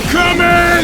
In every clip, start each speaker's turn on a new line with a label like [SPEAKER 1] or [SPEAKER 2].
[SPEAKER 1] coming!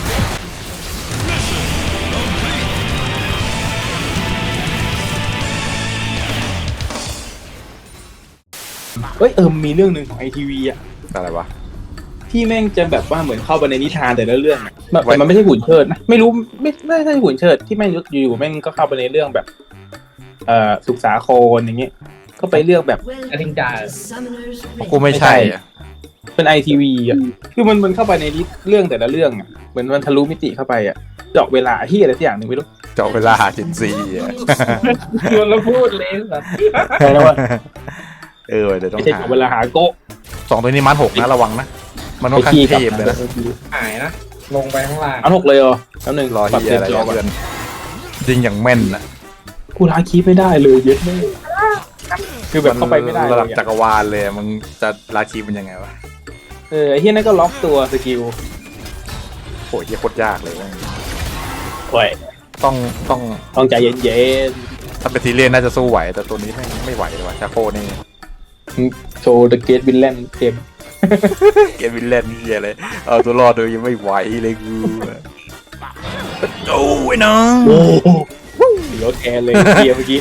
[SPEAKER 2] เอ้ยมีเรื่องหนึ่งของไอทีวีอะ
[SPEAKER 3] อะไรวะ
[SPEAKER 2] ที่แม่งจะแบบว่าเหมือนเข้าไปในนิทานแต่ละเรื่องอะแบบแต่มันไม่ใช่หุ่นเชิดนะไม่รู้ไม่ใช่หุ่นเชิดที่แม่งอยู่ๆแม่งก็เข้าไปในเรื่องแบบสุขสาครอย่างเงี้ยก็ไปเรื่องแบบ
[SPEAKER 4] อลิงจ่า
[SPEAKER 3] กูไม่ใช่อะ
[SPEAKER 2] เป็นไอทีวีอ่ะคือมันเข้าไปในเรื่องแต่ละเรื่องอ่ะเหมือนมันทะลุมิติเข้าไปอ่ะเจาะเวลาที่อะไรสักอย่างหนึ่งไม่รู้
[SPEAKER 3] เจาะเวลาหาจินซีอ่ะ
[SPEAKER 4] ชวนแล้วพูดเลยสัตว์
[SPEAKER 2] ใช่แล้วว่า
[SPEAKER 3] เเดี๋ยวต้อ
[SPEAKER 2] ไม่
[SPEAKER 3] ง
[SPEAKER 2] ใช่
[SPEAKER 3] หา
[SPEAKER 2] เจาะเวลาหาโกะ
[SPEAKER 3] สองตัวนี้มัน6นะระวังนะ มันค่อนข้างเทพเลยนะ
[SPEAKER 4] หายนะ ลงไปข้างล่าง
[SPEAKER 2] อัน6เลยเหรอแล้วหนึ่ง
[SPEAKER 3] รอ
[SPEAKER 2] ปรับ
[SPEAKER 3] เฮีย
[SPEAKER 2] เต็ม
[SPEAKER 3] อะไร
[SPEAKER 2] จอก่อ
[SPEAKER 3] เพื่อน นยิงอย่างแม่นนะ
[SPEAKER 2] กูล้างคีย์ไม่ได้เลยเย็ดแม่คือแบบเข้าไปไม่ได้
[SPEAKER 3] ระ
[SPEAKER 2] เล
[SPEAKER 3] ดับ
[SPEAKER 2] ย
[SPEAKER 3] จักรวาลเลยมึงจะลาคีเป็นยังไงวะ
[SPEAKER 2] ไอ้เฮียนั่นก็ล็อกตัวสกิล
[SPEAKER 3] โหเฮียโคตรยากเลยเว้ย
[SPEAKER 2] โอ้ย
[SPEAKER 3] ต้อง
[SPEAKER 2] ต้องใจเย็น
[SPEAKER 3] ถ้าเป็นทีเรียนน่าจะสู้ไหวแต่ตัวนี้ไม่ไหวเลยว่ะชาโคนี่
[SPEAKER 2] ๆโชว์เดอะเกตวินแลนด์เกม
[SPEAKER 3] เกมวินเลนเฮียเลยเอาตัวรอดโดยยังไม่ไหวเลยกูโอ้ยน้อง
[SPEAKER 2] โอ้เหลือแทนเลยเกียร์เมื่อกี้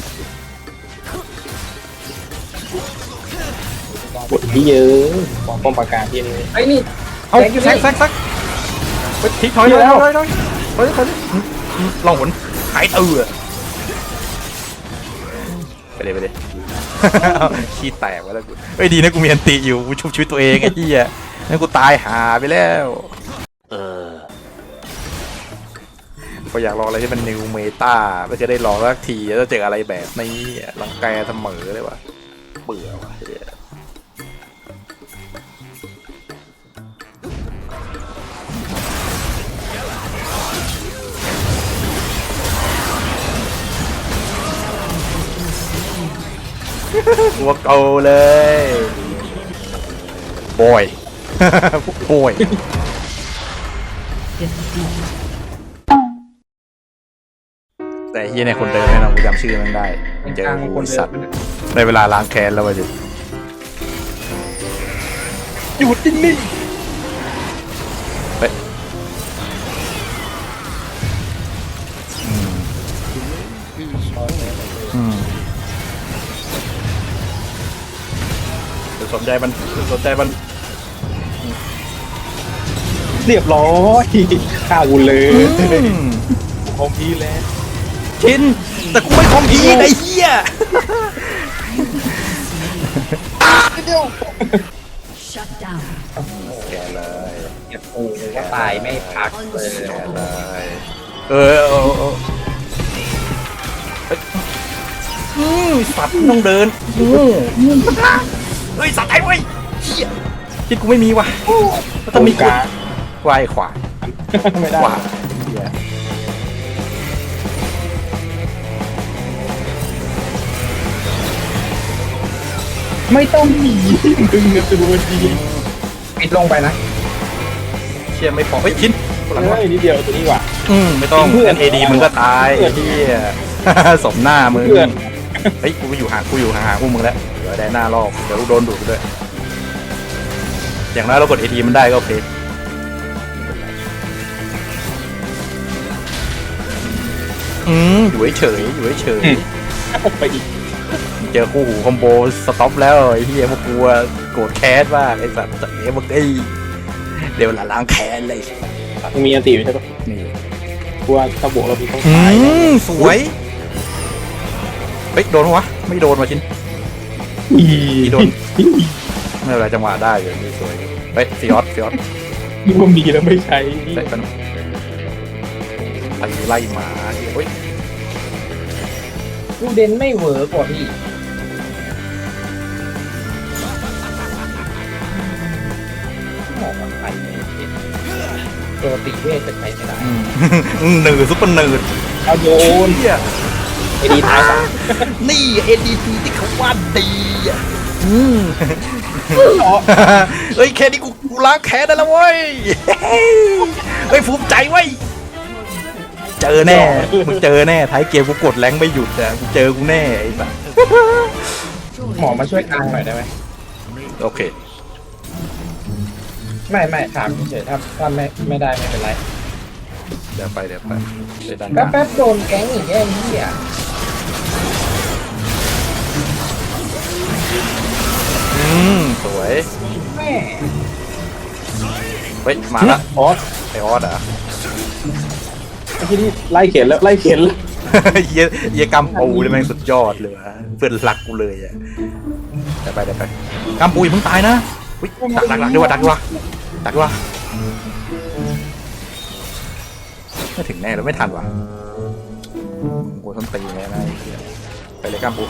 [SPEAKER 2] บทที่เยอะของป้อมปราการที่นี่
[SPEAKER 4] ไอ้นี่
[SPEAKER 3] เอา
[SPEAKER 4] แซงอยู่
[SPEAKER 3] แซ
[SPEAKER 4] นี่
[SPEAKER 3] กไปทิ้งถอย
[SPEAKER 2] เดี๋ยวแล้ว
[SPEAKER 3] ลองหมุนหายตื่อไปเลย ขี้แตกไปแล้วกูเฮ้ยดีนะกูมีอันติอยู่กูชุบชีวิตตัวเองไอ้เหี้ยนั่นกูตายหาไปแล้วก็อยากลองอะไรที่มันนิวเมตาก็จะได้ลองสักทีแล้วเจออะไรแบบนี้รังแกเสมอเลยว่ะเบื่อว่ะเหี้ยตัวเก่าเลยบอย บอยแต่เฮียเนี่ยคนเดิมแน่นอนกูจำชื่อมันได้เจอกูสัตว์ในเวลาล้างแค้นแล้ววะจิ
[SPEAKER 2] หยุดนิ่ง
[SPEAKER 3] เฮ้ยสนใจมันสนใจมัน
[SPEAKER 2] ๆเรียบร้อยฆ่ากูเลยคอมพีแล้ว
[SPEAKER 3] ชินแต่กูไม่คอมพีไอ้เหี้ย
[SPEAKER 5] Shut down.
[SPEAKER 3] แกเลย
[SPEAKER 4] เก็บกูก็ตายไม่พักเลย
[SPEAKER 3] แกเลยสัตว์ต้องเดินเฮ้ยสัตว์ไอ้เว้ยเหี้ยที่กูไม่มีว่ะถ้ามี
[SPEAKER 2] กลาง
[SPEAKER 3] วายขวา
[SPEAKER 2] ไม่ได้
[SPEAKER 3] ขวาเหี้ย
[SPEAKER 2] ไม่ต้องหนีดึงกันตัวดี
[SPEAKER 4] ปิดลงไปนะ
[SPEAKER 3] เชี่ยไม่พอเฮ้ยชินหลัง
[SPEAKER 2] เฮ้
[SPEAKER 3] วะ
[SPEAKER 2] ยนิดเดียวตัวนี้ว่ะ
[SPEAKER 3] ไม่ต้อง
[SPEAKER 2] เพื่อน
[SPEAKER 3] งั้นเอดีมึงก็ตายไอ้เหี้ย สมหน้ามึง
[SPEAKER 2] เพื่อน
[SPEAKER 3] เฮ้ยกูอยู่ห่างพวกมึงแล้วเดี๋ยวได้หน้ารอบเดี๋ยวโดนดูดไปด้วยอย่างน้อยเรากดเอดีมันได้ก็โอเคอยู่เฉย
[SPEAKER 2] ไปอีก
[SPEAKER 3] เจอคู่หูคอมโบสต็อปแล้วไอ้เหี้ยพวกกูโกรธแค้นมากไอ้สัตว์เอ้ยมึงไอ้เดี๋ยวล้างแค้นเลย
[SPEAKER 2] มึงมีอันตีอยู่ใช่ปะ
[SPEAKER 3] นี่
[SPEAKER 2] กูว่าถ้าบวกเราพี่ต้องตาย
[SPEAKER 3] สวยเฮ้ยโดนปะวะไม่โดนว่ะชิน
[SPEAKER 2] อี
[SPEAKER 3] โดน ไม่เป็นไรจังหวะได้อยู่นี่สวยเฮ้ยฟิออส
[SPEAKER 2] นี่ว่ามีแล้วไม่ใช้
[SPEAKER 3] ใส่กันไล่หมาเฮ้ย
[SPEAKER 4] กูเดนไม่เวิร์กว่าพี่หมอกมันไปตัวตีเวทจะใช้ไม่ได้
[SPEAKER 3] หนืดซุปเปอร์หนืด
[SPEAKER 2] เอาโยน
[SPEAKER 3] เฮีย
[SPEAKER 2] ไอ้ดีท้ายสาม
[SPEAKER 3] นี่เอ็นดีทีที่เขาว่าดีอ่ะเฮ้ยแค่นี้กูล้างแค้นได้แล้วเว้ยเฮ้ยภูมิใจเว้ยเจอแน่มึงเจอแน่ท้ายเกมกูกดแรงไม่หยุดอ่ะกูเจอกูแน่ไอ้สัส
[SPEAKER 4] หมอมาช่วยกลางหน่อยได้ไหม
[SPEAKER 3] โอเค
[SPEAKER 4] ไม่ถามเฉยๆถ้าไม่ได้ไม่เป็นไร
[SPEAKER 3] เดี๋ยวไปเดี๋ยวดัน
[SPEAKER 4] แป๊บโดนแก๊งอีกแย่เหี้ย
[SPEAKER 3] สวย
[SPEAKER 4] แม่
[SPEAKER 3] เฮ้ยมาละ
[SPEAKER 2] ออส
[SPEAKER 3] ไอออสอ่ะ
[SPEAKER 2] ไอ้ที่นี่ไล่เข็นแล้วไล่เข็นแล้ว
[SPEAKER 3] เยี่ยกำปูเลยแม่งสุดยอดเลยวะเพื่อนรักกูเลยอ่ะเดี๋ยวไปกำปูอย่าเพิ่งตายนะอุ๊ยดักด้วยดักด้วยไม่ถึงแน่แล้วไม่ทันว่ะโอ้ยต้นตีแน่นะไปเลยกำปู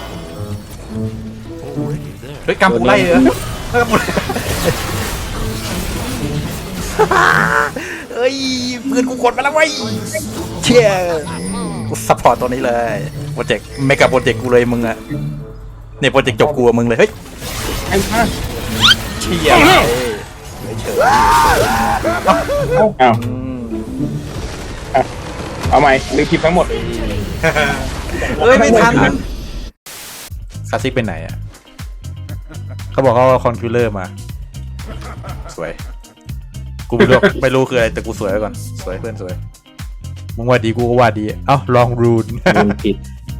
[SPEAKER 3] เฮ้ยกำปูไล่เหรอกำปูเฮ้ยเพื่อนกูกดมาแล้วเว้ยเชี่ยกูซัพพอร์ตตัวนี้เลยโปรเจกต์เมกะโปรเจกต์กูเลยมึงอะเนี่ยโปรเจกต์จบกูมึงเลยเฮ้ย
[SPEAKER 2] ไอ้ข้า
[SPEAKER 3] เชี่ยเฉย
[SPEAKER 2] อ้าวเอาใหม่ลืมคลิปทั้งหมด
[SPEAKER 3] เอ้ยไม่ทันคาซิกเป็นไหนอะเขาบอกเขาเอาคอนคิวเลอร์มาสวยกูไม่รู้คืออะไรแต่กูสวยไว้ก่อนสวยเพื่อนสวยมึงว่าดีกูก็ว่าดีเอ้าลองรูน
[SPEAKER 4] มันผิด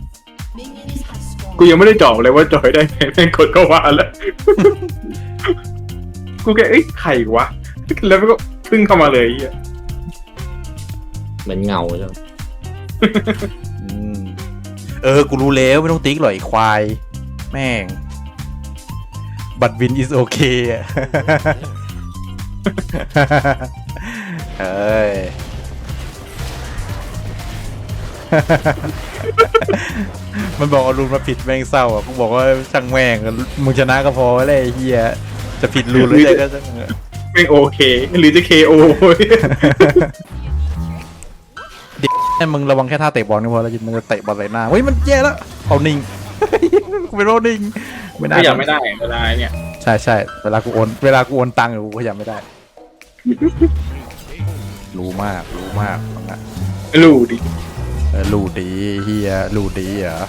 [SPEAKER 2] กูยังไม่ได้จอบเลยว่าจอยได้ไงแม่งกดก็ว่าแล้ว กูแค่ใครวะแล้วก็พึ่งเข้ามาเลยอ่ะ
[SPEAKER 4] เหมือนเงาใช่ไหม
[SPEAKER 3] กูรู้แล้วไม่ต้องติ๊กหรอกไอ้ควายแม่งบัตรวิน is okay อะ เฮ้ย มันบอกเอารูนมาผิดแม่งเศร้าอ่ะกูบอกว่าช่างแม่งมึงชนะก็พอแล้วไอ้เฮียจะผิดรูนหรืออะไรก็ช่าง
[SPEAKER 2] ไม่โอเคหรือจะ KO
[SPEAKER 3] ให้มึงระวังแค่ท่าเตะบอลก็พอแล้วมึงจะเตะบอลใส่หน้าเฮ้ยมันแย่แล้วเอานิ่ง กูเป็นโรนิ่งไม่ได้
[SPEAKER 2] ขยับไม่ได้เวลาเนี่ย
[SPEAKER 3] ใช่เวลากูโอนตังค์กูขยับไม่ได้ รู้มากนะ
[SPEAKER 2] รู้ดิ
[SPEAKER 3] รู้ดีเฮียรู้ดีเหรอ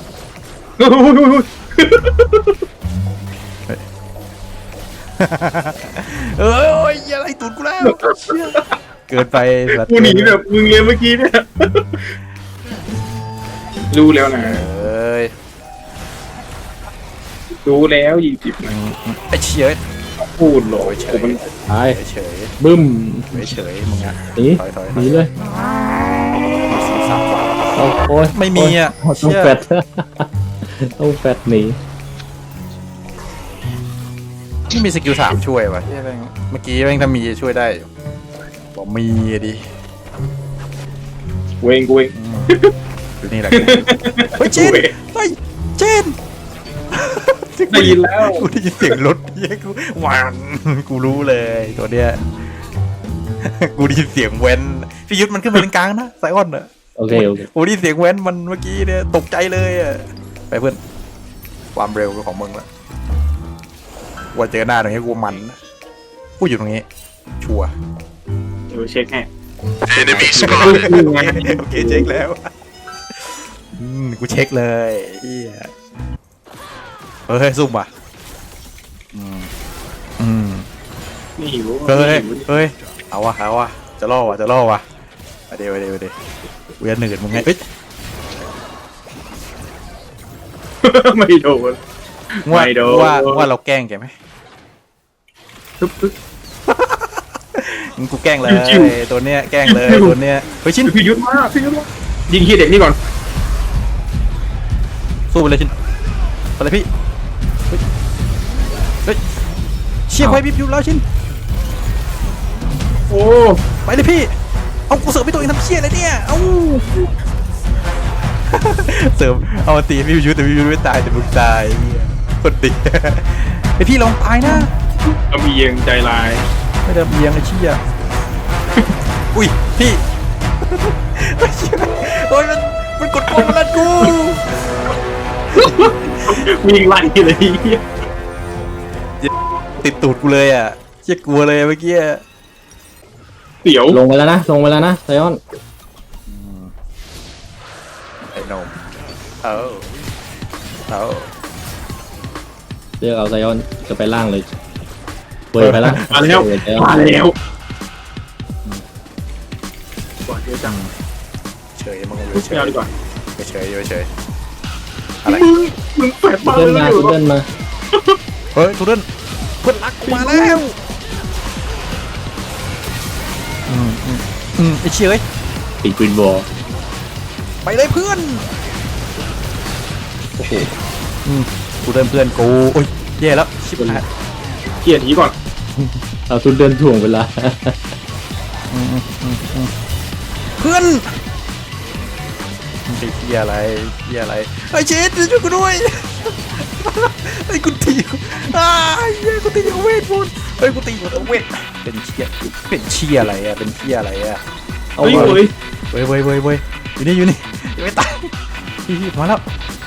[SPEAKER 3] เอ้ยอะไรตูดกูแล้วเกินไป
[SPEAKER 2] กูหนีแบบมึงเลยเมื่อกี้เนี่ยรู้แล้วนะ
[SPEAKER 3] เอ้ย
[SPEAKER 2] รู้แล้ว20นะ
[SPEAKER 3] ไอ้เชี่ย
[SPEAKER 2] พูดหรอ
[SPEAKER 3] เฉย
[SPEAKER 2] มัน
[SPEAKER 4] ตาย
[SPEAKER 3] เฉย
[SPEAKER 4] บึ้ม
[SPEAKER 3] เฉยมึงอะ
[SPEAKER 4] หนี
[SPEAKER 3] ถอย
[SPEAKER 4] หนีเลย โอ้ย
[SPEAKER 3] ไม่มีอ่ะ
[SPEAKER 4] ต้องแฟดต้องแฟดหนี
[SPEAKER 3] ไม่มีสกิล3ช่วยวะเมื่อกี้แม่งถ้ามีช่วยได้บอกมีดิ
[SPEAKER 2] กูเอง
[SPEAKER 3] ดูนี่แหละเฮ้ยเจนเฮ้ยเจน
[SPEAKER 2] ได้ยินแล้ว
[SPEAKER 3] กูได้ยินเสียงรถเฮียกูหวานกูรู้เลยตัวเนี้ยกูได้ยินเสียงเว้นพี่ยุทธมันขึ้นมาเป็นกลางนะไซออนอะ
[SPEAKER 4] โอเค
[SPEAKER 3] กูได้ยินเสียงเว้นมันเมื่อกี้เนี่ยตกใจเลยอะไปเพื่อนความเร็วของมึงละว่าเจอหน้าตรงนี้กูมันกูอยู่ตรงนี้ชัวร์
[SPEAKER 2] เดี๋ยวเช็คให้
[SPEAKER 3] โอเคเช็คแล้วกูเช็คเลยเฮียเฮ้ยซุ่มว่ะ
[SPEAKER 2] นี่หิว
[SPEAKER 3] เฮ้ยเอาวะจะล่อวะเดี๋ยวกูจะหนืดมึงไงเฮ้ย
[SPEAKER 2] ไม่โดน
[SPEAKER 3] ว่าเราแกล้งแกไหมกูแกล้งเลยตัวเนี้ยแกล้งเลยตัวเนี้ยเฮ้ยชิ้น
[SPEAKER 2] พี่ยุทธมายิงขี้เด็กนี่ก่อน
[SPEAKER 3] สู้ไปเลยชิ้นไปเลยพี่เฮ้ยเชี่ยไปบิบอยู่แล้วชิ้น
[SPEAKER 2] โอ้
[SPEAKER 3] ไปเลยพี่เอากูเสิร์ฟไปตัวเองทำเชี่ยอะไรเนี่ยเอาเสิร์ฟเอาตีพี่ยุทธแต่พี่ยุทธไม่ตายแต่มึงตายคนดีไอพี่ลองตายนะ
[SPEAKER 2] กระเบียงใจลาย
[SPEAKER 3] ไม่ได้เบียงไอ้เชี่ยอุ้ยพี่โอ้ยมันกดโกงแล้วกู
[SPEAKER 2] วิ่งไล่เลย
[SPEAKER 3] ติดตูดกูเลยอ่ะเชี่ยกลัวเลยเมื่อกี้
[SPEAKER 2] เสียว
[SPEAKER 4] ลงไปแล้วนะไซออน
[SPEAKER 3] ไอ้นมเอา
[SPEAKER 4] เรียกเอาไซออนจะไปล่างเลย
[SPEAKER 1] เปิดไปแล้ว
[SPEAKER 2] มาแล้วมาแล้วก่อนเดี๋ยวจัง
[SPEAKER 3] เฉยมึง
[SPEAKER 2] เที่ยวดีกว่า
[SPEAKER 3] เฉยเฉยอะไร
[SPEAKER 2] มึงแฝดบ้า
[SPEAKER 1] เดิน
[SPEAKER 2] เล
[SPEAKER 1] มาย เดินมา
[SPEAKER 3] เฮ้ยทุเรศเพื่อนรักกูมาแล้วไอ้เชี่ยเอ้ย
[SPEAKER 1] ติดกรีนบอล
[SPEAKER 3] ไปเลยเพื่อนโอ้โหกูเดินเพื่อนกูโอ้ยแย่แล้วชิบหาย
[SPEAKER 2] เกลียดนี้ก่อน
[SPEAKER 1] เอาทุนเดินถ่วงเวลา
[SPEAKER 3] เพื่อนไอ้เหี้ยอะไรเหี้ยอะไรไอ้เชดช่วยกูด้วยไอ้กูตีเหี้ยกูตีอยู่เวทมนต์เฮ้ยกูตีอยู่เวทเป็นเชี่ยอะไรอะเป็นเชี่ยอะไรอะ
[SPEAKER 1] เอา
[SPEAKER 2] เฮ้ย
[SPEAKER 1] มา
[SPEAKER 2] เฮ้ย
[SPEAKER 3] เว้ยอยู่นี่ยังไม่ตายพี่มาแล้ว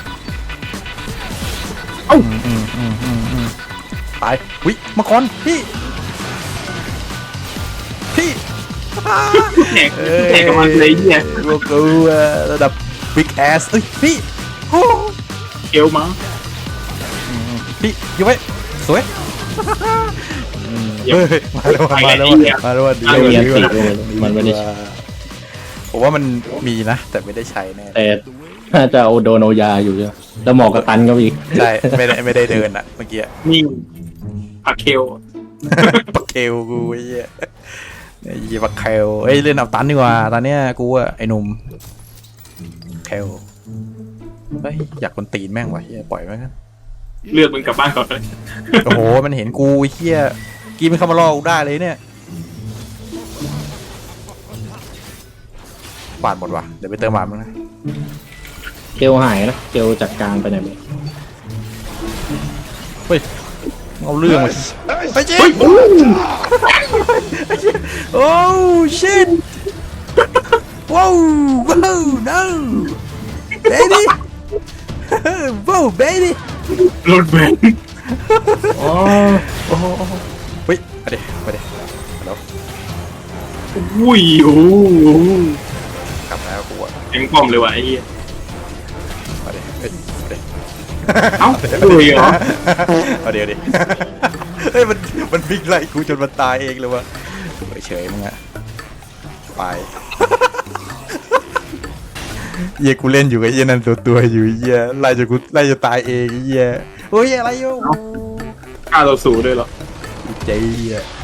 [SPEAKER 3] ตายวิมังกรพี่
[SPEAKER 2] แข่งกับมันเลยเนี่ย
[SPEAKER 3] พวกกูระดับ big ass เอ้ยพี่โอ้
[SPEAKER 2] เกลมั้ง
[SPEAKER 3] พี่อยู่ไว้สวยเฮ้ยมาแล้วดี
[SPEAKER 1] เอาเมียติดเลยมันไม่ได้ใช้
[SPEAKER 3] ผมว่ามันมีนะ แต่ไม่ได้ใช้แน่
[SPEAKER 1] แต่น่าจะเอาโดนเอายาอยู่ใช่ไหมแล้วหมอกระตันก็อีก
[SPEAKER 3] ใช่ไม่ได้เดินอ่ะเมื่อกี้
[SPEAKER 2] นิ่งผักเคล
[SPEAKER 3] ปักเคลกูไอ้เหี้ยไอ้เหี้ยปักเคลเอ้ยเล่นเอาตันดีกว่าตอนเนี้ยกูอะไอ้หนุ่มเคลเฮ้ยอยากคนตีนแม่งวะเฮียปล่อยแม่ง
[SPEAKER 2] เลือดมึงกลับบ้านก่อนเลย
[SPEAKER 3] โอ้โหมันเห็นกูไอ้เฮียกีมันเข้ามาล่อกูได้เลยเนี่ยบาดหมดว่ะเดี๋ยวไปเติมบาดมั้งนะ
[SPEAKER 1] เกลหายนะเกลจากกลางไปไหนไป
[SPEAKER 3] เฮ้ยเอาเรื่องมาไปเจ๊โอ้ชิตว้าวว้าว no baby ว้าว baby
[SPEAKER 2] รถแบน
[SPEAKER 1] อ๋อ
[SPEAKER 3] เฮ้ยมาดิแล้ว
[SPEAKER 2] อุ้ยโอ้โห
[SPEAKER 3] กลับแล้วกูอะ
[SPEAKER 2] แข็งป้อมเลยว่ะไอ้เหี้ย
[SPEAKER 3] มาดิเฮ้ยมาดิ
[SPEAKER 2] เอ้าเลยเหรอ
[SPEAKER 3] เอาเดี๋ยวดิเฮ้ยมันวิ่งไล่กูจนมันตายเองเลยวะเฉยมึงอะไปเหี้ยกูเล่นอยู่กับไอ้เหี้ยนั่นตัวอยู่ไอ้เหี้ยไล่จะตายเองไอ้เหี้ยโอ้ยอะไรโย่
[SPEAKER 2] ฆ่าเราสู่ด้วยเหรอ
[SPEAKER 3] เจ๊อะ